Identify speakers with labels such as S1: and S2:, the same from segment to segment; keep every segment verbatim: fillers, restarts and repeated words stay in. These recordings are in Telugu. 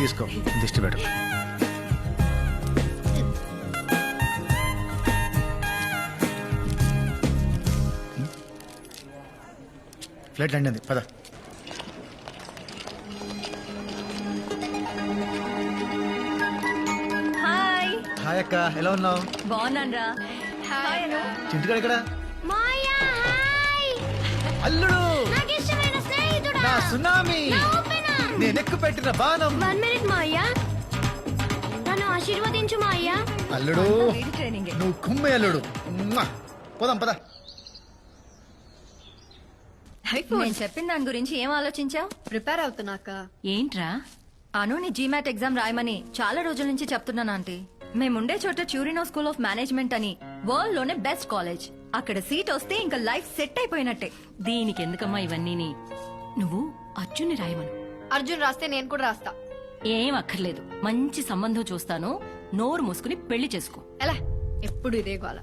S1: తీసుకో దిష్టి పెట్టు. ఫ్లైట్ ల్యాండ్ అయింది పద.
S2: హాయ్
S1: హాయ్ అక్క, ఎలా ఉన్నావు?
S2: బాగున్నాను. హాయ్ అను.
S1: చింటికాడు ఇక్కడ.
S3: మాయా హాయ్
S1: అల్లుడు
S3: నాకు ఇష్టమైన స్నేహితుడా
S1: నా సునామీ,
S3: నా ఓపెనర్.
S1: నేను ఎక్కు పెట్టిన బాణం.
S3: వన్ మినిట్ మాయా, నన్ను ఆశీర్వదించు మాయా.
S1: అల్లుడు
S2: వీడి ట్రైనింగ్.
S1: నువ్వు కుమ్మే అల్లుడు. మ్మా. పోదాం పద.
S2: నేను చెప్పిన దాని గురించి ఏం ఆలోచించావు?
S4: ప్రిపేర్ అవుతున్నాక
S2: ఏంట్రా? అను నీ జీమాట్ ఎగ్జామ్ రాయమని చాలా రోజుల నుంచి చెప్తున్నాను ఆంటీ. మేముండే చోట చ్యూరినో స్కూల్ ఆఫ్ మేనేజ్మెంట్ అని వరల్డ్ లోనే బెస్ట్ కాలేజ్. అక్కడ సీట్ వస్తే ఇంకా లైఫ్ సెట్ అయిపోయినట్టే.
S5: దీనికి ఎందుకమ్మా ఇవన్నీ? నువ్వు అర్జున్ని రాయమను.
S4: అర్జున్ రాస్తే నేను కూడా రాస్తా.
S5: ఏం అక్కర్లేదు, మంచి సంబంధం చూస్తాను. నోరు మూసుకుని పెళ్లి చేసుకో.
S4: ఎలా ఎప్పుడు ఇదే గోల.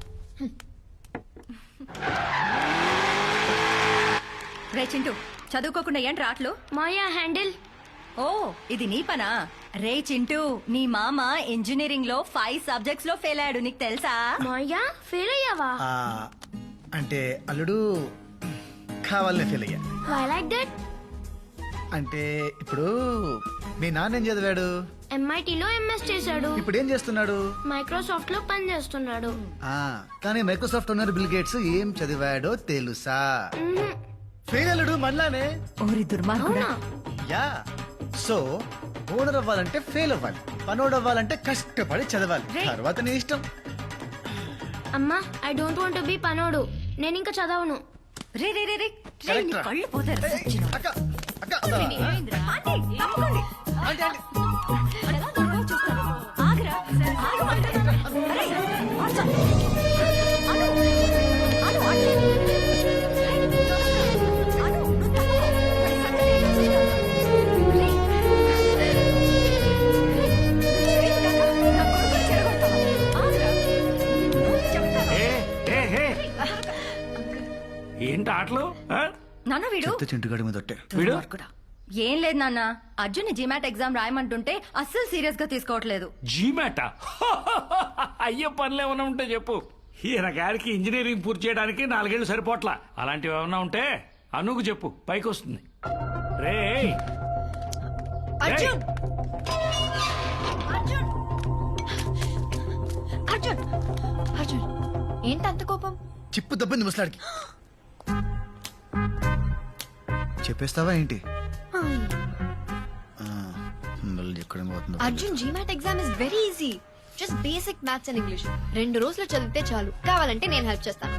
S2: రే చింటూ, చదువుకోకుండా ఏంటి రాట్లు?
S3: మాయా హ్యాండిల్.
S2: ఓ ఇది నీ పనా? రే చింటూ, నీ మామ ఇంజనీరింగ్ లో ఫైవ్ సబ్జెక్ట్స్ లో ఫెయిల్ అయ్యాడు, నీకు తెలుసా?
S3: మాయా ఫెయిల్ అయ్యావా?
S1: ఆ, అంటే అల్లుడు కావాలనే ఫెయిల్ అయ్యా.
S3: Why like that?
S1: అంటే ఇప్పుడు మీ నాన్న ఏం చదివాడు?
S3: ఎంఐటీలో ఎంఎస్ చేశాడు.
S1: ఇప్పుడు ఏం చేస్తున్నాడు?
S3: మైక్రోసాఫ్ట్ లో పని చేస్తున్నాడు.
S1: ఆ కానీ మైక్రోసాఫ్ట్ ఓనర్ బిల్ గేట్స్ ఏం చదివాడో తెలుసా? ఫెయిల్ అల్లుడు మనలానే.
S2: ఓరి దుర్మార్గుడా.
S1: యా సో ఓనర్ అవ్వాలంటే ఫెయిల్ అవ్వాలి, పనోడు అవ్వాలంటే కష్టపడి చదవాలి. తర్వాత నీ ఇష్టం.
S3: అమ్మా ఐ డోంట్ వాంట్ బి పనోడు. నేను ఇంకా చదవను.
S2: రే రే రే రే, రే, నీ
S1: కరెక్ట్.
S2: కళ్ళు పోతారు. సచ్చినోడు.
S1: అక్క అక్క
S2: ఏమైందిరా? ఆంటీ, తప్పుకోండి.
S1: Aunty, aunty.
S2: ఎలా దొరకవో చూస్తాను. ఆగురా. ఆగమంటున్నాను. అరే, ఆగు. అను, అను, ఆంటీ. అను, నువ్వు తప్పుకో. మరి సంగతి ఏంటో చూస్తాను. రే. రే, చేయి కాక, నా కొడుకుని చెడగొడతావా? ఆగురా. నువ్వు చెప్తాను.
S6: ఏ, ఏ, ఏ. ఏంటి ఆటలు ఆ?
S2: నాన్న వీడు
S1: చెత్త చింటుగాడి మీద ఒట్టే.
S6: వీడు
S2: దుర్మార్గుడా. ఏం లేదు నాన్న, అర్జున్ జీమాట్ ఎగ్జామ్ రాయమంటుంటే అస్సలు సీరియస్ గా తీసుకోవట్లేదు.
S6: జీమాట అయ్యే పనులు ఏమైనా ఉంటే చెప్పు. ఈయన గారికి ఇంజనీరింగ్ పూర్తి చేయడానికి నాలుగేళ్లు సరిపోట్లా. అలాంటివి ఏమైనా ఉంటే అనుకు చెప్పు, పైకి వస్తుంది. రే
S4: అర్జున్ అర్జున్ అర్జున్ అర్జున్ ఏంటి అంత కోపం?
S1: చిప్పు దబ్బింది ముసలాడికి. చెప్పేస్తావా ఏంటి? ఆ, మళ్ళీ ఎక్కడ పోతుందో.
S4: Arjun GMAT exam is very easy. Just basic maths and English. రెండు రోజులు చదివితే చాలు. కావాలంటే నేను హెల్ప్ చేస్తాను.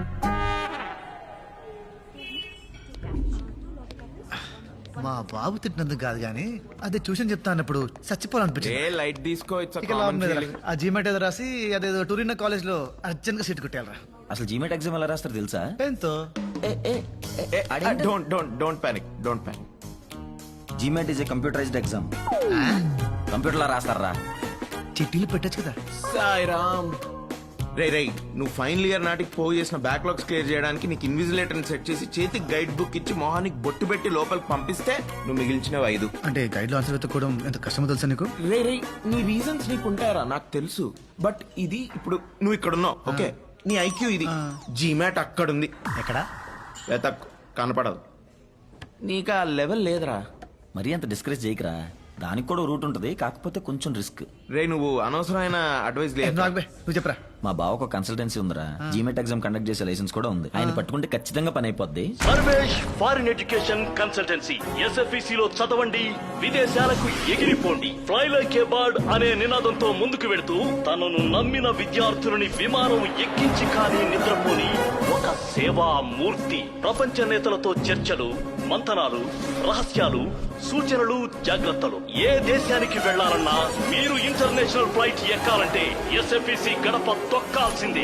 S1: మా బాబు తిట్టినందుకు కాదు గానీ అదే ట్యూషన్ చెప్తా అన్నప్పుడు చచ్చిపోవాలనిపించింది.
S7: ఏ లైట్ తీసుకో, ఇట్స్
S1: ఇక లాభం లేదురా. ఆ జీమెట్ ఏదో రాసి అదేదో టూరిన్ కాలేజ్ లో అర్జెంట్ గా సీట్ కొట్టేయాలరా.
S8: అసలు జీమెట్ ఎగ్జామ్ ఎలా రాస్తారు తెలుసా?
S1: పెన్తో.
S7: Don't don't don't panic don't panic
S8: GMAT is a computerized exam. Computer లా రాస్తారా?
S1: చిట్టీలు పెట్టచ్చు కదా.
S7: సాయిరామ్. రే రే నువ్వు ఫైనల్ ఇయర్ నాటికి పోగు చేసిన బ్యాక్లాగ్స్ క్లియర్ చేయడానికి నీకు ఇన్విజిలేటర్ సెట్ చేసి చేతికి గైడ్ బుక్ ఇచ్చి మొహానికి బొట్టు పెట్టి లోపలికి పంపిస్తే నువ్వు మిగిల్చినవి ఐదు.
S1: అంటే గైడ్ లో ఆన్సర్ వెతుక్కోవడం ఎంత కష్టమో తెలుసా నీకు?
S7: రే రే నీ రీజన్స్ నీకు ఉంటాయరా నాకు తెలుసు. బట్ ఇది ఇప్పుడు నువ్వు ఇక్కడ ఉన్నావు, ఓకే? నీ ఐక్యూ ఇది. జీమాట్ అక్కడుంది.
S1: ఎక్కడా?
S7: వెతక్ కనపడదు. నీకు ఆ లెవెల్ లేదురా.
S8: మరీ అంత డిస్కరేజ్ చేయకరా. దానికి కూడా రూట్ ఉంటది, కాకపోతే కొంచెం రిస్క్.
S7: రే నువ్వు అనవసరమైన అడ్వైస్
S1: ఏ,
S7: లేదు.
S1: నువ్వు ఆగు బే, నువ్వు చెప్పరా.
S8: మా బావ ఒక కన్సల్టెన్సీ ఉందిరా, జీమెట్ ఎగ్జామ్ కండక్ట్ చేసే లైసెన్స్ కూడా ఉంది. ఆయన పట్టుకుంటే ఖచ్చితంగా పని అయిపోద్ది.
S9: Sarvesh foreign education consultancy. SFEC లో చదవండి, విదేశాలకు ఎగిరిపోండి. ఫ్లై లైక్ ఏ బర్డ్ అనే నినాదంతో ముందుకు వెళుతూ తనను నమ్మిన విద్యార్థులని విమానం ఎక్కించి కానీ నిద్రపోని ఒక సేవా మూర్తి. ప్రపంచ నేతలతో చర్చలు, మంతనాలు, రహస్యాలు, సూచనలు, జాగ్రత్తలు. ఏ దేశానికి వెళ్లాలన్నా మీరు ఇంటర్నేషనల్ ఫ్లైట్ ఎక్కాలంటే ఎస్ఎఫ్ఈసి గడప తొక్కాల్సిందే.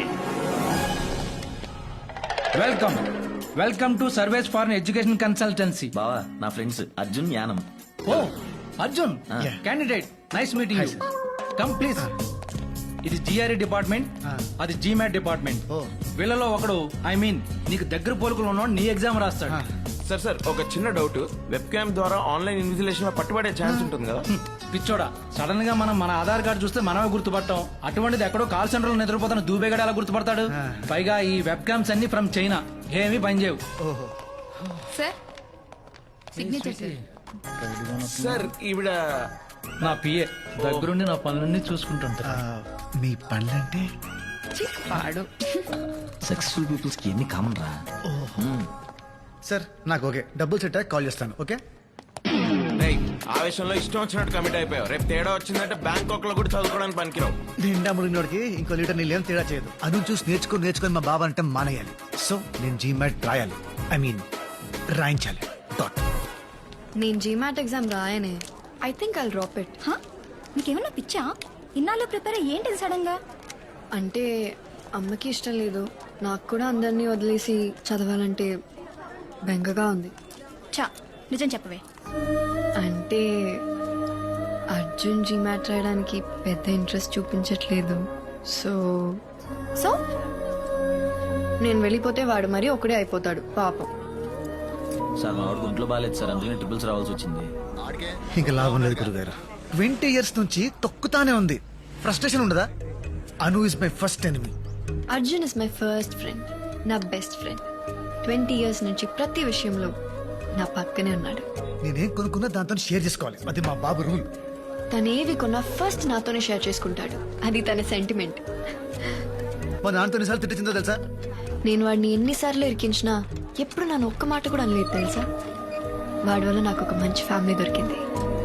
S10: Welcome welcome to Sarvesh foreign education consultancy.
S8: బావా నా ఫ్రెండ్స్ అర్జున్, యానం.
S10: ఓ Arjun,
S1: Yeah.
S10: Candidate, nice meeting
S1: Hi,
S10: you.
S1: sir.
S10: Come please. ఇది జిఆర్ఈ డిపార్ట్మెంట్, అది జీమాట్ డిపార్ట్మెంట్.
S1: Oh.
S10: వీళ్ళలో ఒకడు, ఐ మీన్ నీకు దగ్గర పోలికలు ఉన్నాడు, నీ ఎగ్జామ్ రాస్తాడు.
S7: సార్ సార్ ఒక చిన్న డౌట్. వెబ్ క్యామ్ ద్వారా ఆన్లైన్ ఇన్విజిలేషన్ లో పట్టుబడే ఛాన్స్ ఉంటుంది కదా?
S10: పిచ్చోడా సడన్ గా మనం మన ఆధార్ కార్డు చూస్తే మనమే గుర్తుపట్టాం అటువంటిది ఎక్కడో కాల్ సెంటర్ లో నిద్రపోతున్న దూబేగడ ఎలా గుర్తుపడతాడు పైగా ఈ వెబ్ క్యామ్స్ అన్ని ఫ్రమ్ చైనా ఏమీ పనిచేయవు.
S1: ఓహో
S2: సార్ సిగ్నేచర్ సార్.
S7: సార్ ఈవిడ
S10: నా పిఏ దగ్గరుండి నా పనులన్నీ చూసుకుంటుంటా.
S1: ఆ, మీ పనులంటే
S8: సక్సెస్ఫుల్ పీపుల్స్ కి ఎన్ని కామన్ రా.
S1: సార్ నాకు ఓకే డబ్బులు సెట్ అయ్యాక కాల్ చేస్తాను. ఓకే
S7: రేయ్, ఆవేశంలో ఇష్టం వచ్చినట్టు కమిట్ అయిపోయావు. రేపు తేడా వచ్చిందంటే బ్యాంకాక్ లో కూడా చదువుకోవడానికి పనికిరావు.
S1: నిండా మునిగినోడికి ఇంకో లీటర్ నీళ్ళు ఏం తేడా చేయదు. అను చూసి నేర్చుకుని నేర్చుకుని మా బాబా అంటే మానేయాలి. సో నేను జీమాట్ రాయాలి, ఐ మీన్ రాయించాలి. డాట్
S4: నేను జీమాట్ ఎగ్జామ్ రాయనే. I think I'll drop it.
S2: నీకేమన్నా పిచ్చా? ఇన్నాళ్ళు ప్రిపేర్ ఏంటిది సడన్ గా?
S4: అంటే అమ్మకి ఇష్టం లేదు, నాకు కూడా అందరినీ వదిలేసి చదవాలంటే బెంగగా ఉంది.
S2: చా నిజం చెప్పవే.
S4: అంటే అర్జున్ జీమాట్ రాయడానికి పెద్ద ఇంట్రెస్ట్ చూపించట్లేదు. సో
S2: సో
S4: నేను వెళ్ళిపోతే వాడు మరీ ఒకడే అయిపోతాడు పాపం.
S8: సార్ మా వాడికి ఒంట్లో బాగాలేదు సార్, అందుకని ట్రిపుల్స్ రావాల్సి వచ్చింది.
S1: ఇంకా లాభం లేదు గురుగారు. ట్వంటీ ఇయర్స్ నుంచి తొక్కుతానే ఉంది. ఫ్రస్ట్రేషన్ ఉండదా? Anu is my first enemy.
S4: Arjun is my first friend, నా బెస్ట్ ఫ్రెండ్. ట్వంటీ ఇయర్స్ నుంచి ప్రతి విషయంలో నా పక్కనే ఉన్నాడు.
S1: నేనేం కొనుక్కున్నా దాంతో షేర్ చేసుకోవాలి, అది మా బాబు రూల్.
S4: తనేవి కొన్నా ఫస్ట్ నాతోనే షేర్ చేసుకుంటాడు, అది తన సెంటిమెంట్.
S1: మా నాన్నతో ఎన్నిసార్లు తిట్టిందో తెలుసా?
S4: నేను వాడిని ఎన్నిసార్లు ఇరికించినా ఎప్పుడు నన్ను ఒక్క మాట కూడా అనలేదు తెలుసా. వాడి వల్ల నాకు ఒక మంచి ఫ్యామిలీ దొరికింది.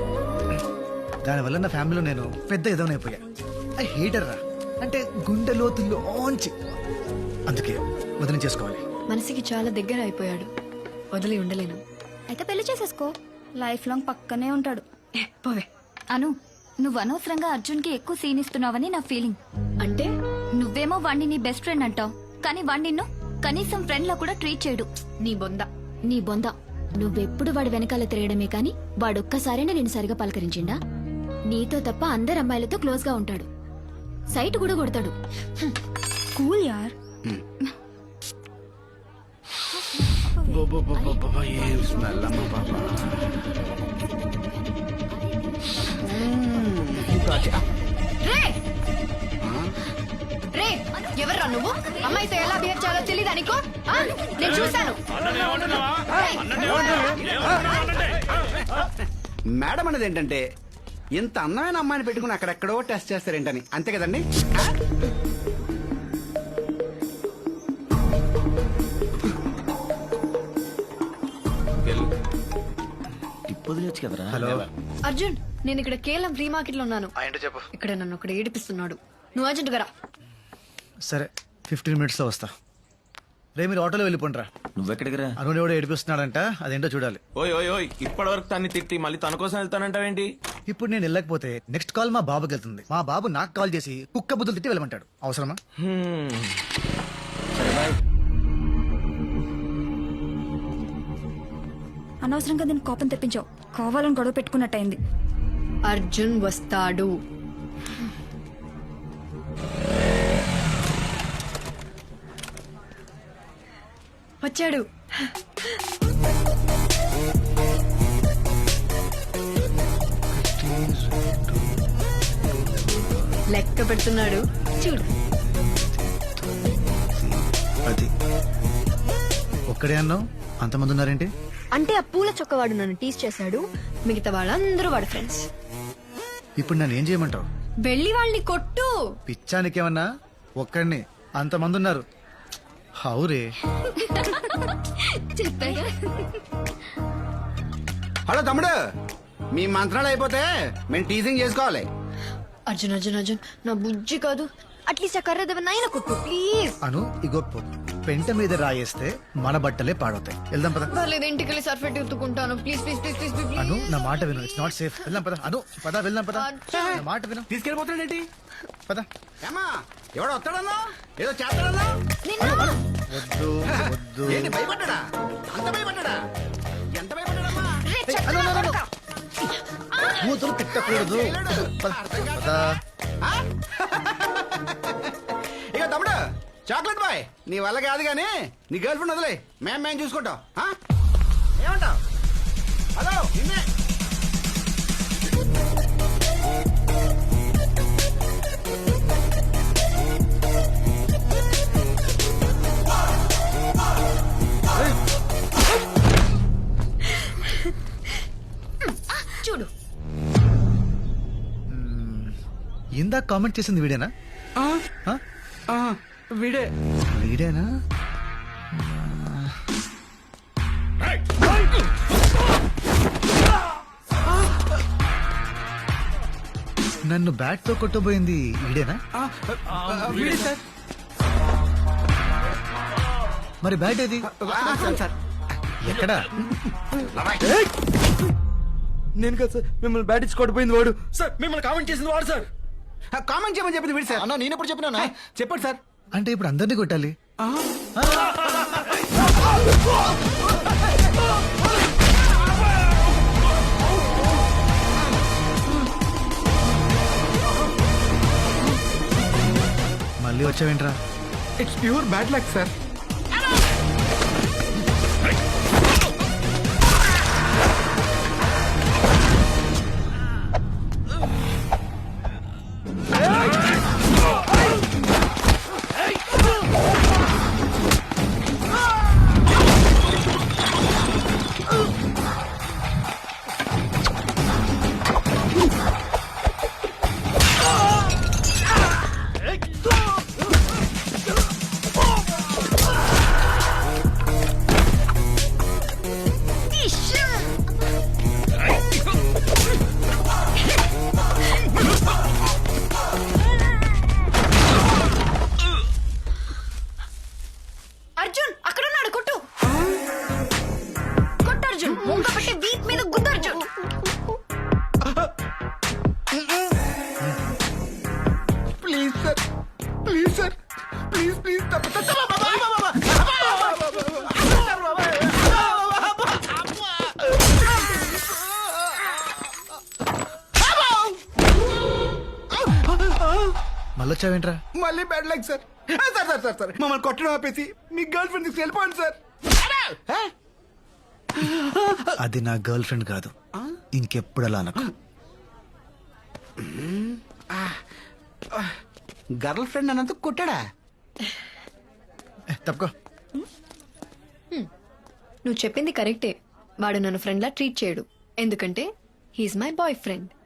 S1: దానివల్ల నా ఫ్యామిలీలో నేను పెద్ద ఎదవనైపోయా. ఐ హేటర్ రా, అంటే గుండె లోతుల్లోంచి. అందుకే వదిలి చేసుకోవాలి.
S4: మనసుకి చాలా దగ్గర అయిపోయాడు, వదిలి ఉండలేను.
S2: అయితే పెళ్లి చేసేసుకో, లైఫ్ లాంగ్ పక్కనే ఉంటాడు.
S4: ఏ, పోవే.
S2: అను, నువ్వు అనవసరంగా అర్జున్ కి ఎక్కువ సీన్ ఇస్తున్నావని నా ఫీలింగ్.
S4: అంటే
S2: నువ్వేమో వాణ్ణి నీ బెస్ట్ ఫ్రెండ్ అంటావు, కానీ వాణ్ణి నిన్ను కనీసం ఫ్రెండ్ లా కూడా ట్రీట్ చేయడు.
S4: నీ బొంద.
S11: నీ బొంద. నువ్వెప్పుడు వాడి వెనకాల తిరగడమే కాని వాడొక్కసారైనా నేను సరిగా పలకరించిండా? నీతో తప్ప అందరు అమ్మాయిలతో క్లోజ్ గా ఉంటాడు, సైట్ కూడా కొడతాడు.
S2: కూల్ యార్.
S4: రే రే, ఎవర్రా నువ్వు? అమ్మాయితో ఎలా బిహేవ్ చేయాలో తెలియదా నీకు? ఆ? నేను చూశాను.
S12: మేడం అనేది ఏంటంటే ఇంత అందమైన అమ్మాయిని పెట్టుకుని అక్కడెక్కడో టెస్ట్ చేస్తారేంటని, అంతే కదండి?
S8: టిప్ వదిలేచ్చు కదరా.
S1: హలో
S4: అర్జున్, నేను ఇక్కడ కేవలం ఫ్రీ మార్కెట్ లో ఉన్నాను.
S1: ఏంటో చెప్పు.
S4: ఇక్కడ నన్ను ఒకటి ఏడిపిస్తున్నాడు. నువ్వు అర్జెంట్ గా రా.
S1: సరే ఫిఫ్టీన్ మినిట్స్ లో వస్తా. రే మీరు ఆటోలో వెళ్ళిపోండిరా.
S8: నువ్వెక్కడికి రా?
S1: అను ఎవడో ఏడిపిస్తున్నాడంట, అదేంటో చూడాలి.
S7: ఓయ్ ఓయ్ ఓయ్ ఇప్పటి వరకు తన్ని తిట్టి మళ్ళీ తన కోసం వెళ్తానంటావేంటి?
S1: ఇప్పుడు నేను వెళ్ళకపోతే నెక్స్ట్ కాల్ మా బాబుకి వెళ్తుంది. మా బాబు నాకు కాల్ చేసి కుక్క బుద్ధులు తిట్టి వెళ్ళమంటాడు. అవసరమా?
S7: హ్మ్.
S8: సరే బాయ్.
S2: అనవసరంగా దీన్ని కోపం తెప్పించావు, కావాలని గొడవ పెట్టుకున్నట్టయింది.
S4: అర్జున్ వస్తాడు. వచ్చాడు. లెక్క పెడుతున్నాడు చూడు.
S1: అది ఒక్కడే అన్నావు, అంతమంది ఉన్నారేంటి?
S4: అంటే ఆ పూల చొక్కవాడు నన్ను టీస్ చేశాడు, మిగతా వాళ్ళందరూ వాడు ఫ్రెండ్స్.
S1: ఇప్పుడు నన్ను ఏం చేయమంటావు?
S4: వెళ్ళి వాళ్ళని కొట్టు.
S1: పిచ్చానికేమన్నా? ఒక్కడిని అంతమంది ఉన్నారు. హౌరే.
S11: చెప్పాగా.
S12: హలో తమ్ముడు, మీ మంత్రాలు అయిపోతే మేము టీజింగ్ చేసుకోవాలి.
S4: అర్జున్ అర్జున్ అర్జున్, నా బుజ్జి కాదు, అట్లీస్ట్ ఆ కర్ర దేవనాయన కొట్టు ప్లీజ్.
S1: అను ఇగో పో. పెంట మీద రాయేస్తే మన బట్టలే పాడవుతాయి. వెళ్దాం పద.
S4: పర్లేదు, ఇంటికి వెళ్ళి సర్ఫెట్ ఎత్తుకుంటాను. Please please please please please.
S1: Anu నా మాట విను, ఇట్స్ నాట్ సేఫ్. వెళ్దాం పద. అను పద, వెళ్దాం పద. నా మాట విను,
S12: తీసుకెళ్ళిపోతాడేంటి?
S1: పద.
S12: ఏమా ఎవడో వస్తాడన్నా, ఏదో చేస్తాడన్నా?
S1: వద్దు వద్దు.
S12: ఏంటి భయపడ్డా? అంత భయపడ్డా? ఎంత భయపడ్డాడమ్మా?
S1: అను, అను, అను. కూతురు తిట్టకూడదు. పద, పద.
S12: ఆ? ఇక తమ్ముడు చాక్లెట్ బాయ్, నీ వల్ల కాదు కానీ నీ గర్ల్ ఫ్రెండ్ వదిలే, మేము మేము చూసుకుంటాం. ఆ? ఏమంటావ్? హలో నిన్నే.
S1: ఇందాక కామెంట్ చేసింది వీడేనా
S12: ఆ,
S1: ఆ?
S12: ఆ, వీడే
S1: వీడేనా నన్ను బ్యాట్ తో కొట్టబోయింది వీడేనా
S12: ఆ, ఆ, వీడే సార్
S1: మరి బ్యాట్ ఏది
S12: ఆ, సార్, సార్
S1: ఎక్కడా
S12: నేను కదా సార్ మిమ్మల్ని బ్యాట్ ఇచ్చి కొట్టిపోయింది వాడు సార్ మిమ్మల్ని కామెంట్ చేసింది వాడు సార్ కామెంట్ చేయమని చెప్పింది వీడు సార్
S8: అన్న నేను ఎప్పుడు చెప్పినా
S12: చెప్పండి సార్
S1: అంటే ఇప్పుడు అందరినీ కొట్టాలి మళ్ళీ వచ్చావేంట్రా
S12: it's pure bad luck sir
S2: Arjun అక్కడ ఉన్నాడు కొట్టు కొట్టు అర్జున్ ముంగ పెట్టి వీప్ మీద గుద్దు Arjun
S12: please sir please sir please please
S1: మళ్ళీ వచ్చావేంట్రా
S12: మళ్ళీ bad luck sir sir sir sir sir మమ్మల్ని కొట్టడం ఆపేసి మీ గర్ల్ ఫ్రెండ్ తీసుకు వెళ్ళిపోండి సార్
S1: అది నా గర్ల్ ఫ్రెండ్ కాదు ఇంకెప్పుడు అలా అనకు
S12: గర్ల్ ఫ్రెండ్ అన్నంత కొట్టాడా
S1: ఏ, తప్పుకో
S4: నువ్వు చెప్పింది కరెక్టే వాడు నన్ను ఫ్రెండ్లా ట్రీట్ చేయడు ఎందుకంటే హీఈస్ మై బాయ్ ఫ్రెండ్